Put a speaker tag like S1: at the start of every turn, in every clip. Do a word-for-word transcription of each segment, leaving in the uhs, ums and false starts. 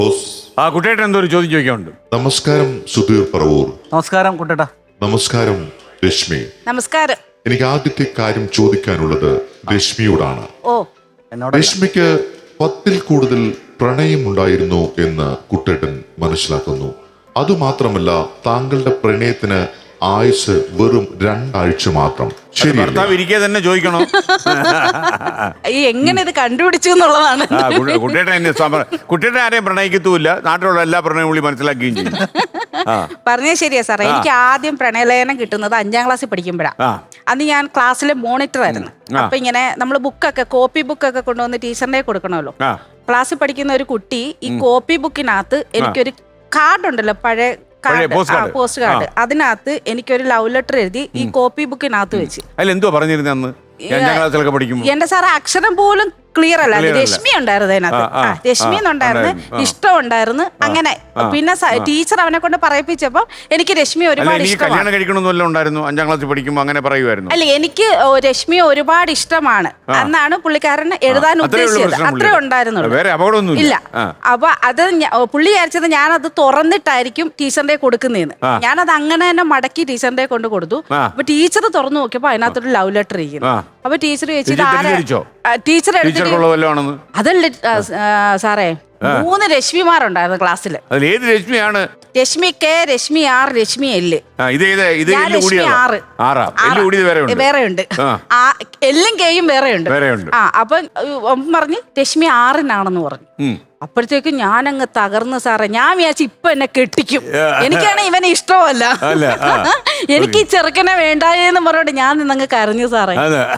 S1: ആ കുട്ടേട്ടൻ എന്തോ ഒരു ചോദ്യം ചോദിക്കാനുണ്ട്.
S2: നമസ്കാരം സുധീർ പറവൂർ.
S3: നമസ്കാരം കുട്ടേട്ടാ.
S2: നമസ്കാരം രശ്മി.
S4: നമസ്കാരം.
S2: എനിക്ക് ആദ്യത്തെ കാര്യം ചോദിക്കാനുള്ളത് രശ്മിയോടാണ്.
S4: ഓ
S2: രശ്മിക്ക് പത്തിൽ കൂടുതൽ പ്രണയമുണ്ടായിരുന്നു എന്ന് കുട്ടേട്ടൻ മനസ്സിലാക്കുന്നു. അതുമാത്രമല്ല, താങ്കളുടെ പ്രണയത്തിന് ആയുസ് വെറും രണ്ടാഴ്ച മാത്രം. ശരി,
S1: ഭർത്താവ് ഇരിക്കെ തന്നെ ചോദിക്കണോ?
S4: ഈ എങ്ങനെ ഇത് കണ്ടുപിടിച്ചു എന്നുള്ളതാണ്.
S1: കുട്ടേട്ടൻ എന്നെ കുട്ടേട്ടൻ ആരെയും പ്രണയിക്കത്തുമില്ല, നാട്ടിലുള്ള എല്ലാ പ്രണയവും പുള്ളി മനസ്സിലാക്കുകയും ചെയ്യും.
S4: പറഞ്ഞത് ശരിയാ സാറേ. എനിക്ക് ആദ്യം പ്രണയലേഖനം കിട്ടുന്നത് അഞ്ചാം ക്ലാസ്സിൽ പഠിക്കുമ്പോഴാണ്. അന്ന് ഞാൻ ക്ലാസ്സിലെ മോണിറ്റർ ആയിരുന്നു. അപ്പൊ ഇങ്ങനെ നമ്മൾ ബുക്കൊക്കെ കോപ്പി ബുക്കൊക്കെ കൊണ്ടുവന്ന് ടീച്ചറിനെ കൊടുക്കണമല്ലോ. ക്ലാസ്സിൽ പഠിക്കുന്ന ഒരു കുട്ടി ഈ കോപ്പി ബുക്കിനകത്ത് എനിക്കൊരു കാർഡ് ഉണ്ടല്ലോ, പഴയ പോസ്റ്റ് കാർഡ്, അതിനകത്ത് എനിക്കൊരു ലവ് ലെറ്റർ എഴുതി ഈ കോപ്പി ബുക്കിനകത്ത് വെച്ച്.
S1: എന്തോ പറഞ്ഞിരുന്നു അന്ന്
S4: എന്റെ സാറ് അക്ഷരം പോലും ക്ലിയർ അല്ല. രശ്മി ഉണ്ടായിരുന്നു അതിനകത്ത്, രശ്മി എന്നുണ്ടായിരുന്നു, ഇഷ്ടം ഉണ്ടായിരുന്നു. അങ്ങനെ പിന്നെ ടീച്ചർ അവനെ കൊണ്ട് പറയിപ്പിച്ചപ്പോ എനിക്ക് രശ്മി ഒരുപാട് ഇഷ്ടമാണ്.
S1: അഞ്ചാം ക്ലാസ്സിൽ പഠിക്കുമ്പോൾ അങ്ങനെ പറയുമായിരുന്നു.
S4: അല്ല, എനിക്ക് രശ്മിയെ ഒരുപാട് ഇഷ്ടമാണ് എന്നാണ് പുള്ളിക്കാരൻ എഴുതാൻ ഉദ്ദേശിച്ചത്. അത്രേ ഉണ്ടായിരുന്നുള്ളൂ. ഇല്ല, അപ്പൊ അത് പുള്ളി വിചാരിച്ചത് ഞാനത് തുറന്നിട്ടായിരിക്കും ടീച്ചറിന്റെ കൊടുക്കുന്നതെന്ന്. ഞാനത് അങ്ങനെ തന്നെ മടക്കി ടീച്ചറിന്റെ കൊണ്ട് കൊടുത്തു. അപ്പൊ ടീച്ചർ തുറന്നു നോക്കിയപ്പോ അതിനകത്തൊരു ലവ് ലെറ്റർ ഇരിക്കുന്നു. അപ്പൊ ടീച്ചർ ചോദിച്ചു, ടീച്ചർ അതല്ല സാറേ, മൂന്ന് രശ്മിമാരുണ്ടായിരുന്നു ക്ലാസ്സിൽ.
S1: രശ്മിയാണ്
S4: Rashmi K, Rashmi R, Rashmi L. Rashmi ആറ് വേറെ ഉണ്ട്, എല്ലും കെയും വേറെ ഉണ്ട്. ആ അപ്പൊ പറഞ്ഞ് രശ്മി ആറിനാണെന്ന് പറഞ്ഞു. അപ്പോഴത്തേക്കും ഞാനങ്ങ് തകർന്ന് സാറേ. ഞാൻ വിചാരിച്ചു ഇപ്പൊ എന്നെ കെട്ടിക്കും. എനിക്കാണ് ഇവനെ ഇഷ്ടമല്ല, എനിക്ക് ഈ ചെറുക്കനെ വേണ്ടായെന്ന് പറഞ്ഞോണ്ട് ഞാൻ നിന്നങ്ങ് കരഞ്ഞു സാറേ.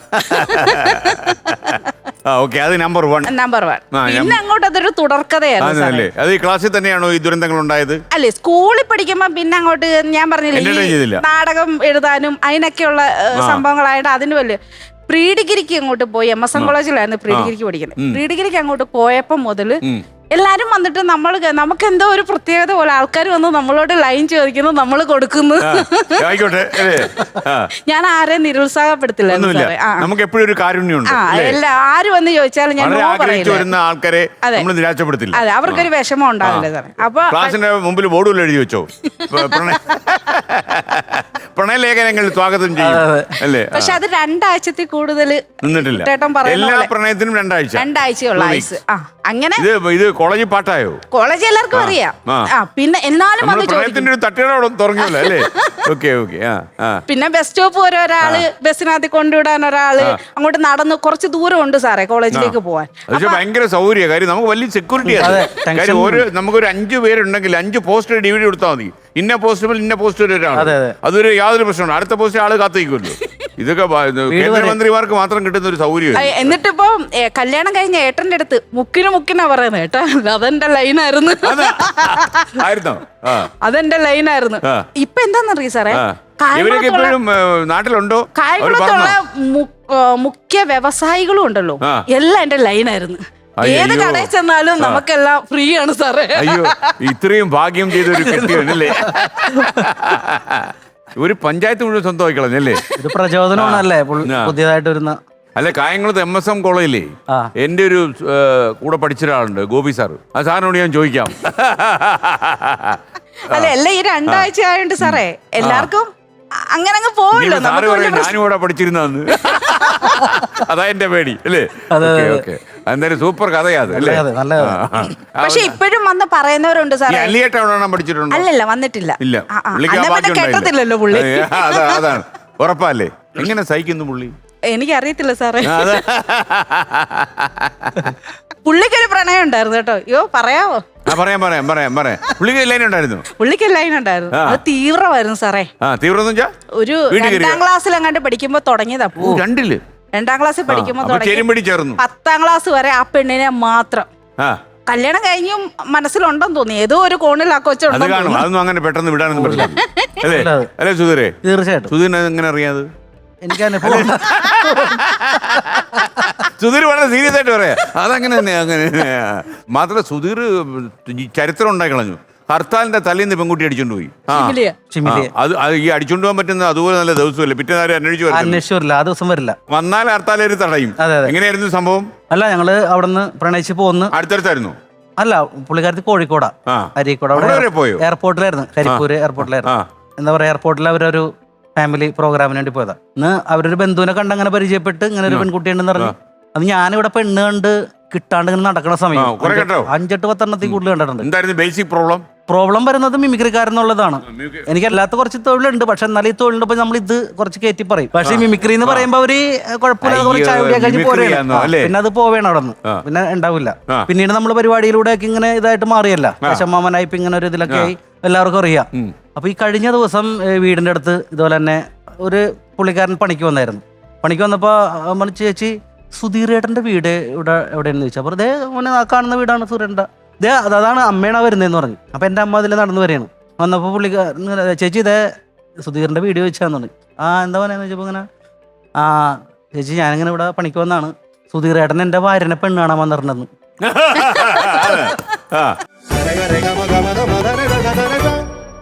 S1: നമ്പർ വൺ നമ്പർ വൺ
S4: പിന്നെ അങ്ങോട്ട് അതൊരു തുടർക്കഥയായിരുന്നു.
S1: ക്ലാസ്സിൽ തന്നെയാണോ ഈ ദുരന്തങ്ങൾ ഉണ്ടായത്?
S4: അല്ലേ, സ്കൂളിൽ പഠിക്കുമ്പോ പിന്നെ അങ്ങോട്ട് ഞാൻ പറഞ്ഞില്ലേ, നാടകം എഴുതാനും അതിനൊക്കെയുള്ള സംഭവങ്ങളായിട്ട് അതിന് വലിയ പ്രീ ഡിഗ്രിക്ക് അങ്ങോട്ട് പോയി. എം എസ് എൻ കോളേജിലായിരുന്നു പ്രീ ഡിഗ്രിക്ക് പഠിക്കുന്നത്. പ്രീ ഡിഗ്രിക്ക് അങ്ങോട്ട് പോയപ്പോ മുതല് എല്ലാരും വന്നിട്ട് നമ്മൾ നമുക്ക് എന്തോ ഒരു പ്രത്യേകത പോലെ ആൾക്കാർ വന്ന് നമ്മളോട് ലൈൻ ചോദിക്കുന്നു, നമ്മൾ കൊടുക്കുന്നു. ഞാൻ ആരെയും നിരുത്സാഹപ്പെടുത്തില്ല.
S1: നമുക്ക് എപ്പോഴും ഒരു കാരുണ്യമുണ്ട്.
S4: ആര് വന്ന് ചോദിച്ചാലും ഞാൻ
S1: ആൾക്കാരെ നിരാശപ്പെടുത്തില്ല.
S4: അതെ, അവർക്കൊരു വിഷമം ഉണ്ടാവില്ല സാറേ. അപ്പൊ
S1: ക്ലാസിന്റെ മുമ്പിൽ ബോർഡുകൾ എഴുതി വെച്ചോ, പ്രണയലേഖനങ്ങൾ സ്വാഗതം ചെയ്യും അല്ലേ?
S4: പക്ഷെ അത് രണ്ടാഴ്ചത്തിൽ കൂടുതൽ
S1: നിന്നിട്ടില്ല. എല്ലാ പ്രണയത്തിനും രണ്ടാഴ്ച
S4: രണ്ടാഴ്ചയുള്ള ആയുസ്. ആ അങ്ങനെ
S1: ഇത് കോളേജിൽ പാട്ടായോ?
S4: കോളേജ് എല്ലാവർക്കും അറിയാം. പിന്നെ എന്നാലും പിന്നെ ബസ് സ്റ്റോപ്പ് വരെ ഒരാള്, ബസ്സിനകത്ത് കൊണ്ടുവിടാൻ ഒരാള്, അങ്ങോട്ട് നടന്ന് കുറച്ച് ദൂരം ഉണ്ട് സാറേ കോളേജിലേക്ക് പോവാൻ.
S1: ഭയങ്കര സൗകര്യ കാര്യം, നമുക്ക് വലിയ സെക്യൂരിറ്റി ആണ്. നമുക്കൊരു അഞ്ചു പേരുണ്ടെങ്കിൽ അഞ്ച് പോസ്റ്റർ ഡിവിഡി കൊടുത്താൽ മതി. ഇന്ന പോസ്റ്റ് ഇന്ന പോസ്റ്റ് ഒരാൾ, അതൊരു യാതൊരു പ്രശ്നമാണ്. അടുത്ത പോസ്റ്റ് ആള് കാത്തിരിക്കുമല്ലോ. ഇതൊക്കെ കേന്ദ്രമന്ത്രിമാർക്ക് മാത്രം കിട്ടുന്ന ഒരു സൗകര്യം.
S4: എന്നിട്ടിപ്പോ കല്യാണം കഴിഞ്ഞ ഏട്ടന്റെ അടുത്ത് മുക്കിന് മുക്കിനാ പറയുന്നത്. ഏട്ടാ അതെന്റെ ലൈനായിരുന്നു, അതെന്റെ ലൈനായിരുന്നു. ഇപ്പൊ എന്താന്നറിയ സാറേ,
S1: നാട്ടിലുണ്ടോ
S4: കായംകുളത്തുള്ള മുഖ്യ വ്യവസായികളും ഉണ്ടല്ലോ, എല്ലാം എന്റെ ലൈനായിരുന്നു. ഏത് കടയിൽ ചെന്നാലും നമുക്കെല്ലാം ഫ്രീ ആണ് സാറേ.
S1: അയ്യോ, ഇത്രയും ഭാഗ്യം ചെയ്തൊരു കെട്ടിയല്ലേ. ഒരു പഞ്ചായത്ത് മുഴുവൻ സ്വന്തമായി കളഞ്ഞല്ലേ.
S3: ഇത് പ്രചോദനമാണല്ലേ പുതിയതായിട്ട് വരുന്ന.
S1: അല്ല, കായംകുളത്ത് എം എസ് എം കോളേജിലേ എന്റെ ഒരു കൂടെ പഠിച്ച ഒരാളുണ്ട്, ഗോപി സാറ്. ആ സാറിനോട് ഞാൻ ചോദിക്കാം.
S4: അല്ല, എല്ലാം ഈ രണ്ടാഴ്ച ആയോണ്ട് സാറേ എല്ലാവർക്കും അങ്ങനെ അങ്ങ് പോവല്ലോ.
S1: ഞാനും കൂടെ പഠിച്ചിരുന്നു, അതാ എന്റെ പേടി അല്ലേ. എന്തായാലും സൂപ്പർ കഥയാത് അല്ലേ.
S4: പക്ഷെ ഇപ്പോഴും വന്ന് പറയുന്നവരുണ്ട് സാറേ.
S1: പഠിച്ചിട്ടുണ്ടോ?
S4: അല്ലല്ല, വന്നിട്ടില്ല.
S1: കേട്ടത്തില്ലല്ലോ പുള്ളി. അതാണ് ഉറപ്പല്ലേ. എങ്ങനെ സഹിക്കുന്നു പുള്ളി?
S4: എനിക്കറിയത്തില്ല സാറേ. പുള്ളിക്കൊരു പ്രണയം ഉണ്ടായിരുന്നു കേട്ടോ. അയ്യോ, പറയാവോ?
S1: പറയാം പറയാം പറയാം പറയാം പുള്ളിക്ക് ലൈൻ ഉണ്ടായിരുന്നു.
S4: പുള്ളിക്ക് ലൈൻ ഉണ്ടായിരുന്നു. അത് തീവ്രമായിരുന്നു സാറേ.
S1: തീവ്രം
S4: ഒരു രണ്ടാം ക്ലാസ്സിൽ അങ്ങാണ്ട് പഠിക്കുമ്പോ തുടങ്ങിയതാ.
S1: രണ്ടില്
S4: രണ്ടാം ക്ലാസ്സിൽ പഠിക്കുമ്പോ തുടങ്ങി പത്താം ക്ലാസ് വരെ ആ പെണ്ണിനെ മാത്രം. കല്യാണം കഴിഞ്ഞും മനസ്സിലുണ്ടെന്ന് തോന്നി, ഏതോ ഒരു കോണിൽ ആ കൊച്ചുണ്ടോ.
S1: അതൊന്നും അങ്ങനെ പെട്ടെന്ന് വിടാനൊന്നും പറ്റില്ല അല്ലേ അല്ലേ സുധീരേ?
S3: തീർച്ചയായിട്ടും.
S1: സുധീരനെ എങ്ങനെ അറിയാത്?
S3: എനിക്ക്
S1: സുധീർ വളരെ സീരിയസ് ആയിട്ട് പറയാ. അതങ്ങനെ തന്നെ അങ്ങനെ മാത്രമല്ല, സുധീർ ചരിത്രം ഉണ്ടായി കളഞ്ഞു. ഹർത്താലിന്റെ തലേന്ന് പെൺകുട്ടി അടിച്ചോണ്ട് പോയി. അത് ഈ അടിച്ചോണ്ട് പോകാൻ പറ്റുന്ന അതുപോലെ നല്ല ദിവസമല്ലേ. പിറ്റേ നേരം അന്വേഷിച്ചു
S3: അന്വേഷിച്ചില്ല, ആ ദിവസം വരില്ല.
S1: വന്നാൽ ഹർത്താൽ തടയും. എങ്ങനെയായിരുന്നു സംഭവം?
S3: അല്ല, ഞങ്ങള് അവിടെ നിന്ന് പ്രണയിച്ച് പോന്ന്
S1: അടുത്തടുത്തായിരുന്നു.
S3: അല്ല പുള്ളിക്കാരത്തി കോഴിക്കോടാ,
S1: ആ.
S3: അരീക്കോട്.
S1: അവിടെ വരെ പോയോ?
S3: എയർപോർട്ടിലായിരുന്നു, കരിപ്പൂര് എയർപോർട്ടിലായിരുന്നു. എന്താ പറയാ, എയർപോർട്ടിൽ അവരൊരു ഫാമിലി പ്രോഗ്രാമിന് വേണ്ടി പോയതാ. ഇന്ന് അവരൊരു ബന്ധുവിനെ കണ്ട് അങ്ങനെ പരിചയപ്പെട്ട് ഇങ്ങനെ ഒരു പെൺകുട്ടിയുണ്ടെന്ന് പറഞ്ഞു. അത് ഞാനിവിടെ പെണ്ണ് കണ്ട് കിട്ടാണ്ട് ഇങ്ങനെ നടക്കുന്ന സമയം അഞ്ചെട്ട് പത്തെണ്ണത്തിൽ കൂടുതൽ കണ്ടിട്ടുണ്ട്.
S1: എന്തായിരുന്നു ബേസിക് പ്രോബ്ലം?
S3: പ്രോബ്ലം വരുന്നത് മിമിക്രിക്കാരെന്നുള്ളതാണ്. എനിക്ക് അല്ലാത്ത കുറച്ച് തൊഴിലുണ്ട്, പക്ഷെ എന്നാലും ഈ തൊഴിലുണ്ട് നമ്മൾ ഇത് കുറച്ച് കയറ്റി പറയും. പക്ഷെ മിമിക്രി എന്ന് പറയുമ്പോ അവര് കുഴപ്പമില്ലാതെ കുറച്ച് ചായ കുടിയാ കഴിഞ്ഞ് പോരെയാണ്, പിന്നെ അത് പോവേണം അവിടെ നിന്ന്, പിന്നെ ഉണ്ടാവില്ല. പിന്നീട് നമ്മൾ പരിപാടിയിലൂടെ ഒക്കെ ഇങ്ങനെ ഇതായിട്ട് മാറിയല്ല, ശശമാമനായി ഇപ്പൊ ഇങ്ങനെ ഒരു ഇതിലൊക്കെ ആയി എല്ലാവർക്കും അറിയാം. അപ്പൊ ഈ കഴിഞ്ഞ ദിവസം വീടിന്റെ അടുത്ത് ഇതുപോലെ തന്നെ ഒരു പുള്ളിക്കാരൻ പണിക്ക് വന്നായിരുന്നു. പണിക്ക് വന്നപ്പോ നമ്മൾ ചേച്ചി സുധീരേട്ടന്റെ വീട് ഇവിടെ എവിടെയെന്ന് ചോദിച്ചാൽ അപ്പോൾ അതേ മോനെ കാണുന്ന വീടാണ് സുധീരേട്ടൻ്റെ, ഇതേ അതാണ് അമ്മയാണ് വരുന്നതെന്ന് പറഞ്ഞു. അപ്പം എൻ്റെ അമ്മ അതിൽ നടന്നു വരികയാണ്. വന്നപ്പോൾ പുള്ളി ചേച്ചി ഇതേ സുധീറിൻ്റെ വീഡിയോ വെച്ചാന്ന് പറഞ്ഞു. ആ എന്താ പറയുക ചോദിച്ചപ്പോൾ ഇങ്ങനെ ആ ചേച്ചി ഞാനിങ്ങനെ ഇവിടെ പണിക്ക് വന്നാണ്, സുധീരേട്ടൻ എൻ്റെ ഭാര്യനെ പെണ്ണ് കാണാൻ വന്നിട്ടുണ്ടെന്ന്.